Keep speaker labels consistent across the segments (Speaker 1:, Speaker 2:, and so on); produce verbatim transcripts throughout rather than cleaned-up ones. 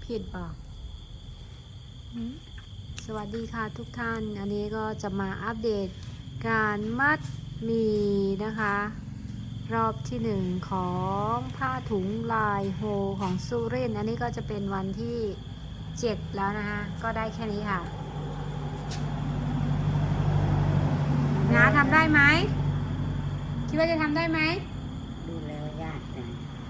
Speaker 1: ผิดป่ะสวัสดีค่ะทุกท่าน อันนี้ก็จะมาอัปเดตการมัดหมี่นะคะ รอบที่หนึ่งของผ้าถุงลายโฮของสุรินทร์อันนี้ก็จะเป็นวันที่เจ็ดแล้วนะคะก็ได้แค่นี้ค่ะน้าทำได้ไหมคิดว่าจะทำได้ไหม
Speaker 2: ดูแล้วยากจัง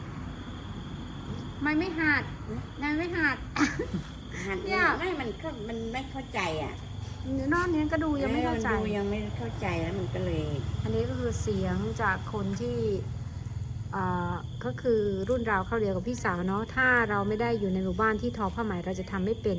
Speaker 1: ไม่ไม่หัดนายไม่หัด
Speaker 2: หัดไม่มันก็มันไม่เข้าใจอ่ะ
Speaker 1: นอกนี้ก็ดูยังไม่เข้าใจ
Speaker 2: ดูยังไม่เข้าใจแล้วมันก็เลย
Speaker 1: อันนี้ก็คือเสียงจากคนที่ก็คือรุ่นราวเข้าเดียวกับพี่สาวเนาะถ้าเราไม่ได้อยู่ในหมู่บ้านที่ทอผ้าไหมเราจะทำไม่เป็น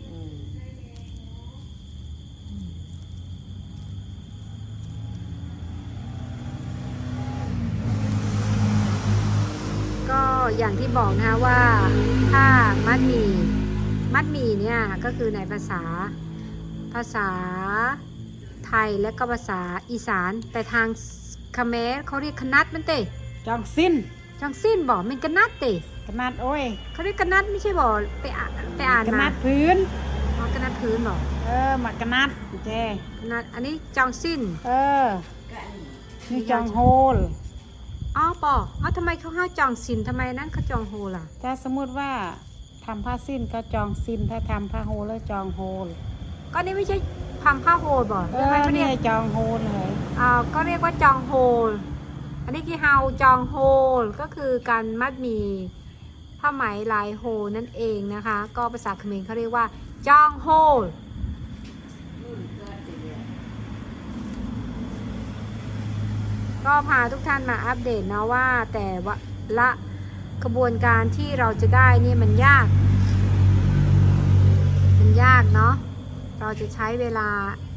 Speaker 1: ก็อย่างที่บอกนะคะว่าถ้ามัดหมี่มัดหมี่เนี่ยก็คือในภาษาภาษาไทยและก็ภาษาอีสานแต่ทางคาเมรเขาเรียกคนัดมันเตะ
Speaker 2: จองสิ้น
Speaker 1: จองสิ้นบอกมันกนัดเตะ
Speaker 2: กนัดโอ้ย
Speaker 1: เขาเรียกกนัดไม่ใช่บอกไปอ่านไปอ่านมาก
Speaker 2: นัดพื้น
Speaker 1: อ๋อกนัดพื้นบอก
Speaker 2: เออมากนัดเจ
Speaker 1: กนัดอันนี้จองสิ้น
Speaker 2: เออนี่จองโฮล
Speaker 1: อ๋อปออ๋อทำไมเขาห้าจองสิ้นทำไมนั้นเขาจองโฮล่ะ
Speaker 2: ถ้าสมมติว่าทำผ้าสิ้นก็จองสิ้นถ้าทำผ้าโฮลแล้วจองโฮล
Speaker 1: ก็นี่ไม่ใช่ทำผ้าโฮลบ่
Speaker 2: เออนี่จองโฮลเลย
Speaker 1: อ่าก็เรียกว่าจองโฮลอันนี้คือเฮาจองโฮลก็คือการมัดหมี่ผ้าไหมลายโฮลนั่นเองนะคะก็ภาษาเขมรเขาเรียกว่าจองโฮลก็พาทุกท่านมาอัปเดตนะว่าแต่ว่าละกระบวนการที่เราจะได้นี่มันยากมันยากเนาะเราจะใช้เวลา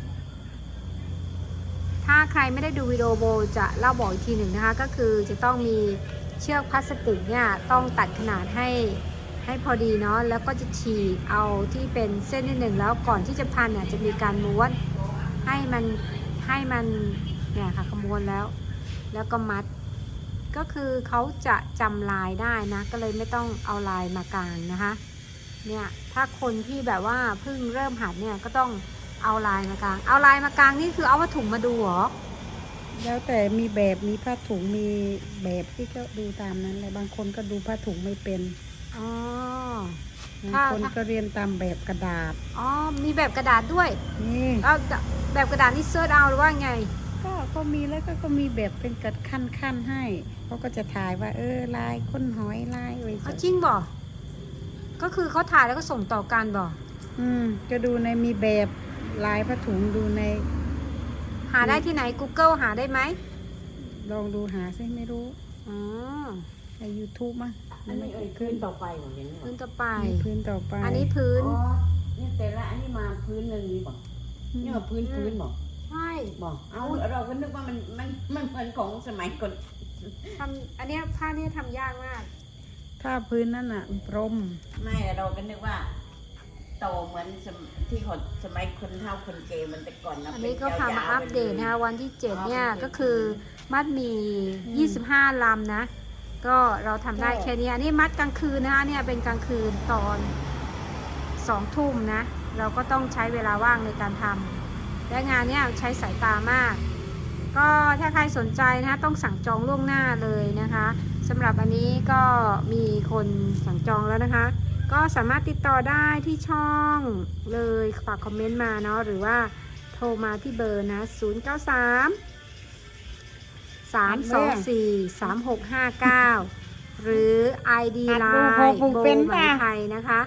Speaker 1: ถ้าใครไม่ได้ดูวิดีโอโบจะเล่าบอกอีกทีหนึ่งนะคะก็คือจะต้องมีเชือกพลาสติกเนี่ยต้องตัดขนาดให้ให้พอดีเนาะแล้วก็จะฉีกเอาที่เป็นเส้นนิดหนึ่งแล้วก่อนที่จะพันเนี่ยจะมีการม้วนให้มันให้มันเนี่ยค่ะขม้วนแล้วแล้วก็มัดก็คือเขาจะจำลายได้นะก็เลยไม่ต้องเอาลายมากางนะคะเนี่ยถ้าคนที่แบบว่าเพิ่งเริ่มหัดเนี่ยก็ต้องเอาลายมากางเอาลายมากางนี่คือเอาผ้าถุงมาดูหรอ
Speaker 2: แล้วแต่มีแบบมีผ้าถุงมีแบบที่ก็ดูตามนั้นเลยบางคนก็ดูผ้าถุงไม่เป็น
Speaker 1: อ๋อบ
Speaker 2: างคนก็เรียนตามแบบกระดาษ
Speaker 1: อ๋อมีแบบกระดาษด้วย
Speaker 2: นี่
Speaker 1: เอาแบบกระดาษนี่เซิร์ชเอาหรือว่าไง
Speaker 2: ก็ก็มีแล้วก็ก็มีแบบเป็นกระขั้นขั้นให้เขาก็จะถ่ายว่าเออลายค้นหอยลายอะไร
Speaker 1: จริงบ่ก็คือเขาถ่ายแล้วก็ส่งต่อกันบ่
Speaker 2: อืมก็ดูในมีแบบลายผ้าถุงดูใน
Speaker 1: หาได้ที่ไหน Google หาได้ไหม
Speaker 2: ลองดูหาซิไม่รู้
Speaker 1: อ๋อ
Speaker 2: ใน YouTube มั้ง
Speaker 3: อันนี้พื้นต่อไปของเห็นไหม
Speaker 1: พื้นต่อไป
Speaker 2: พื้นต่อไป
Speaker 1: อันนี้พื้น
Speaker 3: อ๋อนี่แต่ละอันนี้มาพื้นหนึ่งนี่บอกนี่มาพื้นพื้นบอก
Speaker 1: ใช่
Speaker 3: บอกเอาเราก็นึกว่ามันมันมันเหมือนของสมัยก่อน
Speaker 1: ทำอันนี้ผ้านี่ทำยากมาก
Speaker 2: ถ้าพื้นนั่นน่ะพรม
Speaker 3: ไม่เราก็นึกว่าโตเหมือนที่คนสมัยคนเฒ่าคนเกมันแต่ก่อนนะ
Speaker 1: อันนี้ก็พามาอัปเดตนะคะวันที่เจ็ดเนี่ยก็คือมัดมียี่สิบห้าลำนะก็เราทำได้แค่นี้อันนี้มัดกลางคืนนะคะเนี่ยเป็นกลางคืนตอนสองทุ่มนะเราก็ต้องใช้เวลาว่างในการทำและงานเนี้ยใช้สายตามากก็ถ้าใครสนใจนะต้องสั่งจองล่วงหน้าเลยนะคะสำหรับอันนี้ก็มีคนสั่งจองแล้วนะคะก็สามารถติดต่อได้ที่ช่องเลยฝากคอมเมนต์มาเนาะหรือว่าโทรมาที่เบอร์นะศูนย์ เก้า สาม สาม สอง สี่ สาม หก ห้า เก้าหรือ ไอ ดี ไลน์โบไหมไทยนะคะ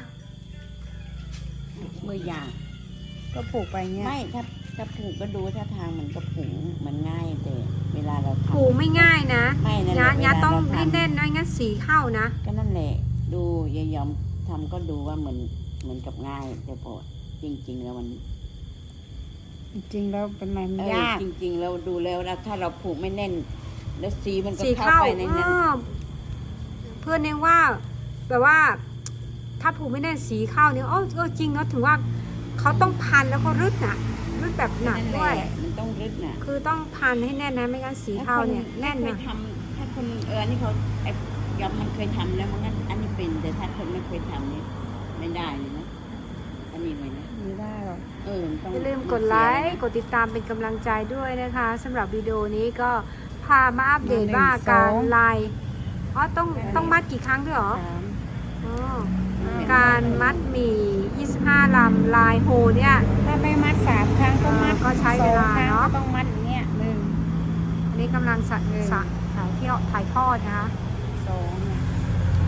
Speaker 3: มือยาง
Speaker 2: ก็ผูกไปเงี้ย
Speaker 3: ไม่ถ้าถ้าผูกก็ดูถ้าทางมันก็ผูกมันง่ายแต่เวลาเราทำ
Speaker 1: ผูกไม่ง่ายนะ
Speaker 3: ไม่นะ
Speaker 1: ยาต้องแน่นๆไม่งั้นสีเข้านะ
Speaker 3: ก็นั่นแหละดูยายยอมทำก็ดูว่าเหมือนเหมือนกับง่ายแต่พอจริงๆแล้วมัน
Speaker 2: จริงๆแล้วเป็นอะไรมันยาก
Speaker 3: จริงๆเราดูแล้วนะถ้าเราผูกไม่แน่นแล้วสีมันก็เข้าไปในนั้น
Speaker 1: เพื่อนเองว่าแบบว่าถ้าผูกไม่แน่นสีเข้าเนี่ยโอ้เออจริงเนาะถึงว่าเขาต้องพันแล้วก็รึดน่ะรึดแบบหนักด้วย
Speaker 3: มันต้องรึดน่ะ
Speaker 1: คือต้องพันให้แน่นนะไม่งั้นสีเข้าเนี่ยแน่นนะ
Speaker 3: ทำถ้าคนเออนี่เขาไอ้ยอมมันเคยทำแล้วมันงั้นอันนี้เป็นแต่ถ้าคนไม่เคยทำนี่มันไม่ได้เลยนะอันนี้ไว้นะ
Speaker 2: ไม่ได้หรอก
Speaker 3: เออมันต้อง
Speaker 1: อย่าลืมกดไลค์กดติดตามเป็นกำลังใจด้วยนะคะสำหรับวิดีโอนี้ก็พามาอัปเดตว่าการไลน์อ๋อต้องต้องมัดกี่ครั้งด้วยเหรอ
Speaker 2: สาม
Speaker 1: อ๋อการมัดหมี่ยี่สิบห้าลำลายโฮเนี่ย
Speaker 2: ถ้าไม่มัดสามครั้งก็มัด
Speaker 1: ก็ใช้เวลา
Speaker 2: สองครั้ง
Speaker 1: เนอะ
Speaker 2: ก็ต้องมัดอย่างเงี้ยหนึ่ง
Speaker 1: อันนี้กำลังสะ
Speaker 2: เออ
Speaker 1: สะถ่ายเที่ยวถ่ายทอดนะคะ
Speaker 2: สองเนี่ย